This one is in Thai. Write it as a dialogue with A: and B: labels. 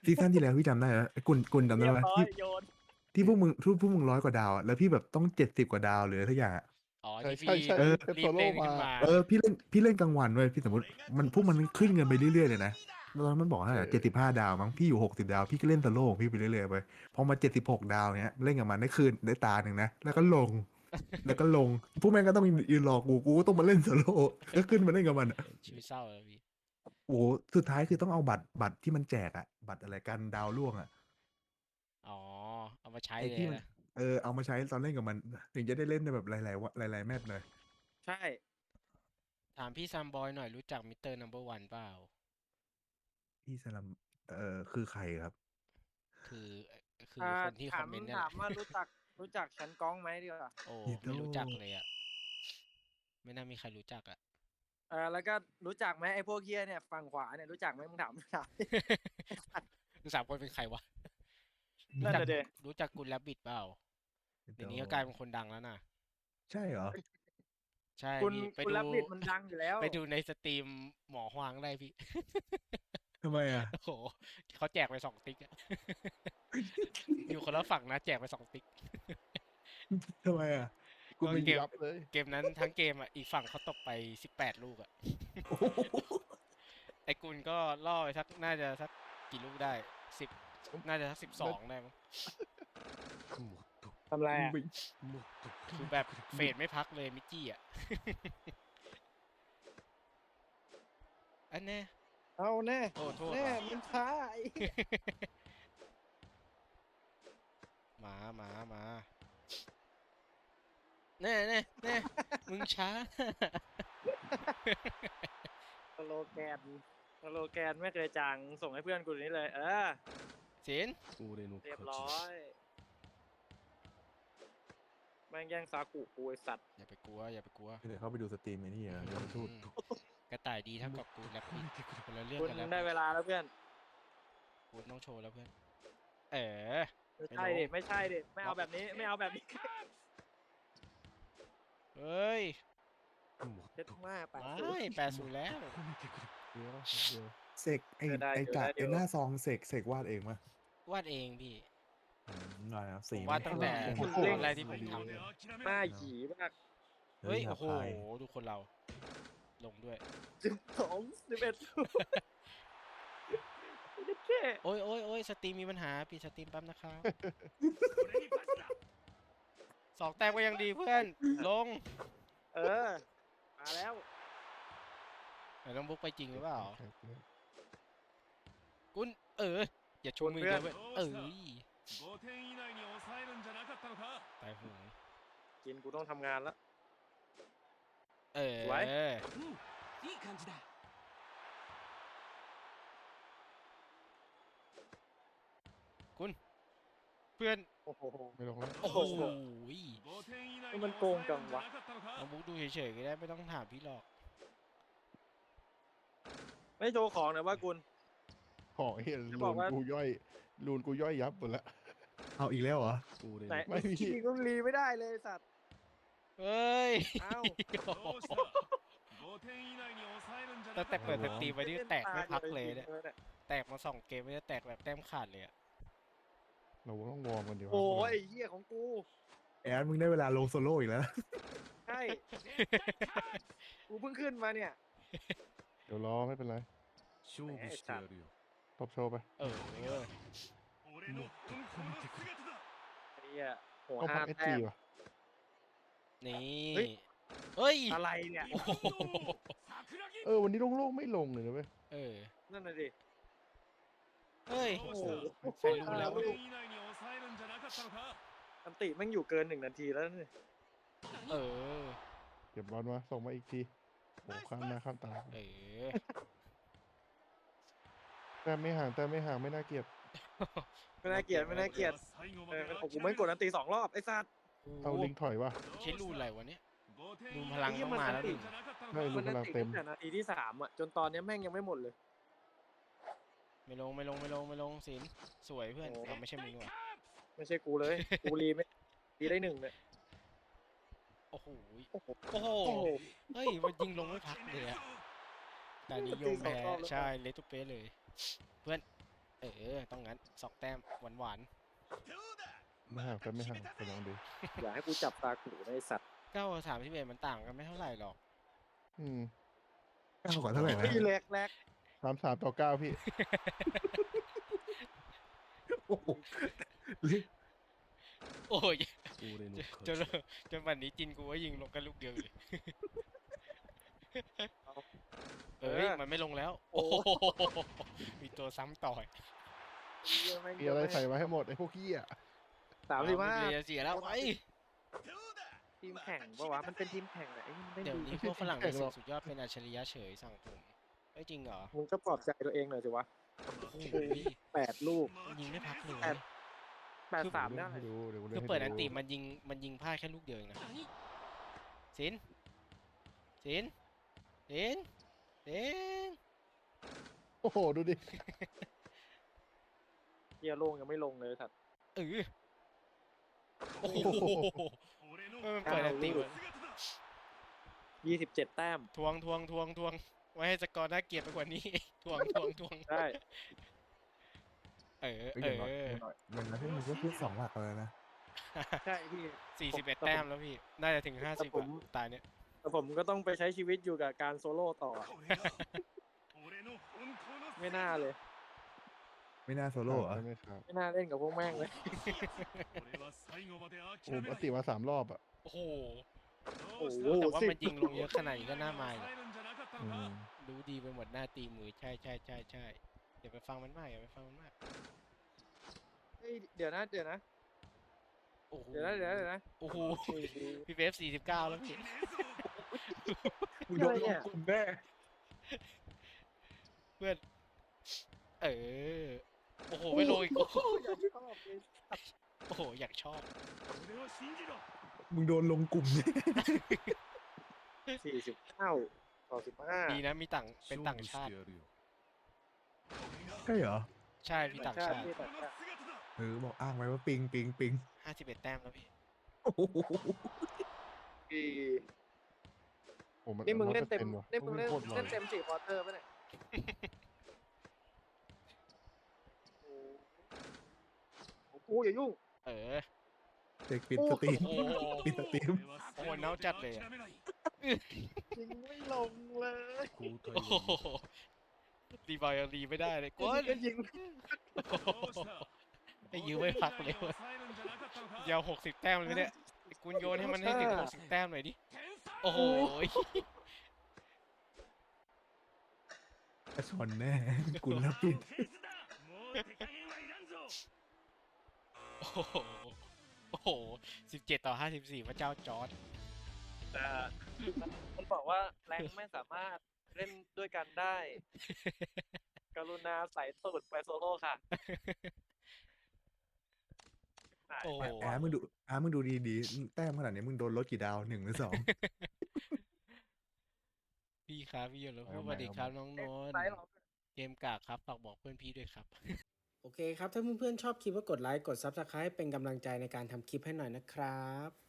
A: ซีซั่นที่แล้วพี่จำได้เหรอไอ้กุลจำได้
B: เรียบ
A: ไหม
B: ร้อย
A: ที่
B: โยน
A: ที่พวกมึง100 กว่าดาวอะแล้วพี่แบบต้อง70 กว่าดาวหรืออะไรทุกอย่างอะ
C: อ๋อ
D: ใช่
C: ที่พี่
D: ใช่ใช่
A: เออ
D: เป็น
C: รีบ
D: โซโล่มา
C: เล่นขึ้นมา
A: พี่เล่นกลางวันเว้ยพี่สมมติพวกมันขึ้นเงินไปเรื่อยๆเลยนะแล้วตอนนั้นมันบอกว่า75 ดาวมั้งพี่อยู่60 ดาวพี่ก็เล่นสโลว์ของพี่ไปเรื่อยๆไปพอมา76 ดาวเนี้ยเล่นกับมันได้คืนได้ตาหนึ่งนะแล้วก็ลงแล้วก็ลงพวกแม่งก็ต้องยืนรอกูก็ต้องมาเล่นสโลว์ก็ขึ้นมาเล่นกับมันอะ
C: ชีวิตเศร้าเลยพี่
A: โอ้โหสุดท้ายคือต้องเอาบัตรที่มันแจกอะบัตรอะไรกันดาวร่วงอะ
C: อ๋อเอามาใช้
A: ไอ้ที่มัน
C: เลยนะ
A: เอามาใช้ตอนเล่นกับมันถึงจะได้เล่นในแบบหลายๆหลายๆแมตช์หน่อย
B: ใช่
C: ถามพี่ซัมบอยหน่อยรู้จักมิสเตอร์นัมเบอร์วันเปล่า
A: พี่สลัมคือใครครับ
C: คือคือ
B: อ่า
C: คนที่คอมเมนต์เนี่ยแหละ
B: ถามว่ารู้จักฉันก้องไหมดีกว่า
C: โอ้
A: ฮิโต
C: ไม่รู้จักเลยอ่ะไม่น่ามีใครรู้จักอ่ะ
B: แล้วก็รู้จักไหมไอ้พวกเฮียเนี่ยฝั่งขวาเนี่ยรู้จักไหมมึงถาม
C: สามคนเป็นใครวะรู้
B: นั่น
C: จัก
B: น่ะเดะ
C: รู้จักกุลแลบบิดเปล่า
A: ฮิโต
C: เดี๋ยวนี้ก็กลายเป็นคนดังแล้วนะ
A: ใช่เหรอ
C: ใช่
B: คุณ
C: พี่ไป
B: คุณ
C: ดู
B: รับบิดมันดังอยู่แล้ว
C: ไปดูในสตรีมหมอฮวางได้พี่
A: ทำไมอ่ะ
C: โอ้โหเขาแจกไป2 ติ๊กอะ อยู่คนละฝั่งนะแจกไป2 ติ๊ก
A: ทำไมอ่ะ
D: กูไม่
C: เกม
D: ยับเลย
C: เกมนั้นทั้งเกมอ่ะอีกฝั่งเขาตกไป18 ลูกอ่ะ
A: โอ้โห
C: ไอ้กุลก็ล่อไปสักน่าจะสักกี่ลูกได้10น่าจะสัก12ได้มั้ง
B: ทำไรอ่ะ
C: คือแบบเฟดไม่พักเลยมิกกี้อ่ะ อันแน่
B: เอาแน่
C: โอ้โทษ
B: แน่
C: ว่ะ
B: มันช้าไอ้
C: มาแน่มึงช้า
B: สโลแกนไม่เคยจางส่งให้เพื่อนกูนี้เลย
C: สิน
B: เรียบร้อยแม่งแย่งซากุกูไอสัตว์
C: อย่าไปกลัว
A: เดี๋ยวเข้าไปดูสตรีมไอ้นี่อ่ะเดี๋ยวมันพูด
C: กระต่ายดีเท่ากับกูแรปปี้คนละเรื่อง
B: คุณ
C: กันแล้ว
B: ได้เวลาแล้วเพื่อน
C: กูต้องโชว์แล้วเพื่อน
B: ไม่ใช่ดิไม่ใช่ดิไม่เอาแบบนี้ไม่เอาแบบนี้
C: เฮ้ย
B: เจ็ดมากไป
C: ไม่80แล้ว
D: เดี๋ยว
A: เสกไอ้หน้าซองเสกวาดเองมั้ยว
C: าดเองพี่
A: ได้ครับ
C: ผ
A: สี
C: มวาดตั้งแต่
A: โอ้โห
C: ตอนแรกที่ผมทำ
B: หน้าหยีมาก
C: เฮ้ย
A: ครั
C: โอ้
A: บ
C: โห
A: ใคร
C: ดูคนเรา ลงด้วย
B: 12 11แค่
C: โอ้ยสตรีมมีปัญหาปิดสตรีมแป๊บนะครับ2 แต้มก็ยังดีเพื่อน ลง
B: มาแล้ว
C: ไหนต้องบุกไปจริงหรือเปล่า
D: ใช่ใช่
C: กุนอย่าชูมือเดียวเว้ยตายหู
B: กินกูต้องทำงานแล้ว สวย
C: คุณเพื่อน
B: โอ้โห
D: ไม่ลงแล้ว
C: โอ้โห
B: มันโกงจังวะ
C: เอาบุกดูเฉยๆก็ได้ไม่ต้องถามพี่หรอก
B: ไม่โชว์ของนะว่ากุล
D: ของเห็น
B: จะบ
D: ลู
B: อก
D: น
B: ว่า
D: กูย่อยลูนกูย่อยยับหมดละ
A: เอาอีกแล้วเหรอ
B: ไหน
D: ไม่มี
B: กินก็รีไม่ได้เลยสัตว์
C: เฮ้ย
B: เอ้า
C: ตั้งแต่เปิดสตรีมไปนี่แตกไม่พักเลยเนี่ยแตกมา2 เกมไม่ได้แตกแบบแต้มขาดเลยอะ
D: เราต้องวอร์มกันดีกว่า
B: โอ้ยไอ้เหี้ยของกู
A: แอนมึงได้เวลาลงโซโล่อีกแล้ว
B: ใช่ กูเพิ่งขึ้นมาเนี่ย
D: เดี๋ยวรอไม่เป็นไร
B: แหมไอ้สัตว์
D: ตบโชว์ไป
C: เออ
B: ไอ้เหี้ยโห
D: ต้องพั
B: ห้าก
D: เอส
B: แต้
D: จี
B: ม
D: ว่ะ
C: นี่
B: เฮ้ย
C: เฮ้ย
B: อะไรเนี่ย
C: โอ้โห
D: วันนี้โล่งๆไม่ลงเลยนะเว้ย
B: นั่นน่ะดิ
C: เฮ้ย
B: โอ้โห
C: ใครรู้แล้ววะ
B: อันติแม่งอยู่เกิน1 นาทีแล้วนี่
C: เออ
D: เก็บบอลมาส่งมาอีกทีโอ้ข้ามหน้าข้ามตา
C: เออ
D: แต่ไม่ห่างไม่น่าเกลียด
B: ไม่น่าเกลียดโอ้โหไม่งกดอันติ2 รอบไอ้สัตว์
D: เอาลิงถอยว่ะ
C: ใช้รูนอะไรวะเนี่ยรูนพลัง
B: ไอ้เหี้ย
C: ต้องมาแล้วดิ
D: ใช่ลู
B: มั
D: ก
B: น
D: พ
B: อัน
D: ลัง
B: ติ
D: เต็ม
B: ตั้งแต่นาทีที่3จนตอนนี้แม่งยังไม่หมดเลย
C: ไม่ลงสินสวยเพื่อนเราไม่ใช่มึงว่ะ
B: ไม่ใช่กูเลย กูรีไม่รีได้1เลย
C: โอ้โห
B: โอ้โห
C: โอ้โห
B: โอ้โห
C: เฮ้ยมันยิงลงไม่พักเลยอะแต่นิยมแพ้ใช่เลตุเป้เลย เพื่อนต้องงั้น2 แต้มหวาน
D: ไม่ห่างกันไม่ห่างไปลองดู
B: อย่าให้กูจับตาขู่ในสัตว์
C: ๆ9กับ31มันต่างกันไม่เท่าไหร่หรอก
D: อืม
A: เก้ากว่าเท่าไหร่นะ
B: พี่แรก
D: 33-9พี่
A: โอ้โห
C: โอ้ยจนจนวันนี้จินกูว่ายิงลงกันลูกเดียวอยู่เลยมันไม่ลงแล้ว โอ้โหมีตัวซ้ำต่อย
D: มีอะไรใส่ไว้ให้หมดไอ้พวกขี้อ่ะ
B: 35
C: เลยเสียแล้วไอ้
B: ทีมแข่งปะวะมันเป็นทีมแข่งแหละไอ้นี่มันเล่น
C: เดี๋ยว
B: ดี
C: นี้พวกฝรั่งในศึกสุดยอดเป็นอัจฉริยะเฉยสั่งผมเอ้ยจริงเหรอ
B: มึงก็ปลอบใจตัวเองหน่อยสิวะ
C: โอ้โห
B: 8 ลูก
C: ยิงไม่พักเลย
B: 8-3
D: เดี๋
B: ได้
D: ยวให้ดูเดี๋ยว
C: คือเปิดอันติมันยิงพลาดแค่ลูกเดียวเองนะสินสินสินสิน
D: โอ้โหดูดิ
B: เฮียโล่งยังไม่ลงเลยสัตว์
C: โอ้โหมันเปิดอันติมัน
B: 27 แต้ม
C: ทวงไว้ให้สกอร์น่าเกลียดไปกว่านี้ ทวง
B: ได้
C: เออ
A: เฮ้ยอย่างน้อยอย่างน้อยพี่มันก็ขึ้น2 หลักเลยนะ
B: ใช่พี่
C: 41 แต้มแล้วพี่ น่าจะถึง 50
B: ผม
C: ตายเนี่ย
B: แต่ผมก็ต้องไปใช้ชีวิตอยู่กับการโซโล่ต่อ ไม่น่าเลย
A: ไม่น่าโซโล่เหรอ
D: ใช่ไหมครับ
B: ไม่น่าเล่นกับพวกแม่งเลย
D: โอ้ปติมา3 รอบอ่ะ
C: โอ้โห
B: โอ้โห
C: แต่ว่า
B: 10
C: มันยิงลงเยอะขนาดนี้ก็น่ามาอยู่
D: อืม
C: รู้ดีไปหมดหน้าตีมือใช่อย่าไปฟังมันมากอย่าไปฟังมันมาก
B: เฮ้ยเดี๋ยวนะ
C: โอ้โห
B: เดี๋ยวนะ
C: โอ้โห
B: โอ้โห
C: พี่เวฟ49 แล้วพี่
A: มึงโดนลงกลุ่มแน่
C: เพื่อน โอ้โห ไม่ลงอีก โอ้โห อยากชอบ
A: มึงโดนลงกลุ่มแน่
B: 49-15
C: ดีนะมีเป็นต่างชาติ
A: ใช่เหรอ
C: ใช่พี่ต่างชาติ
B: พี่ต่างชาติ
A: บอกอ้างไว้ว่าปิง
C: 51 แต้มแล้วพี่
A: โอ้โห
B: พี่
D: โอ้มัน
B: นี่มึงเล่นเต็ม
D: ว่ะ
B: นี่มึงเล่น
D: โคตรไว
B: เล่นเต็ม4 ควอเตอร์ป่ะเนี่ยโอ้โหอย่ายุ่ง
A: เด็กปิดสตรีม
C: โอ้โห
A: ปิดสตรีม
C: โอ้โหเน่าจัดเลยอะ
B: ยิงไม่ลงเลย
C: โอ้โหรีบาวยังรีไม่ได้เลยกวน
B: ก็ยิง
C: ไอ้ยื้อไม่พักเลยเว้ยยาว60 แต้มเลยเนี่ยไอ้กุนโยนให้มันให้ถึง60 แต้มหน่อยดิ โอ้โห
A: กระชอนแน่กุลแล้วปิด
C: โอ้โห โอ้โห17-54พระเจ้าจอร์ด
B: มันบอกว่าแรงไม่สามารถเล่นด้วยกันได้ กรุณาใส่ตูดไปโซโล่ค่ะ
C: โอ้โห
A: มึงดูดีๆ แต้มขนาดนี้มึงโดนลดกี่ดาว 1 หรือ 2
C: พี่ครับพี่ยนต์แล้วสวัสดีครับน้องนนท์
B: ไซส์หรอ
C: เกมกากครับฝากบอกเพื่อนพี่ด้วยครับ
E: โอเคครับ ถ้าเพื่อนๆชอบคลิปก็กดไลค์ กด Subscribe เป็นกำลังใจในการทำคลิปให้หน่อยนะครับ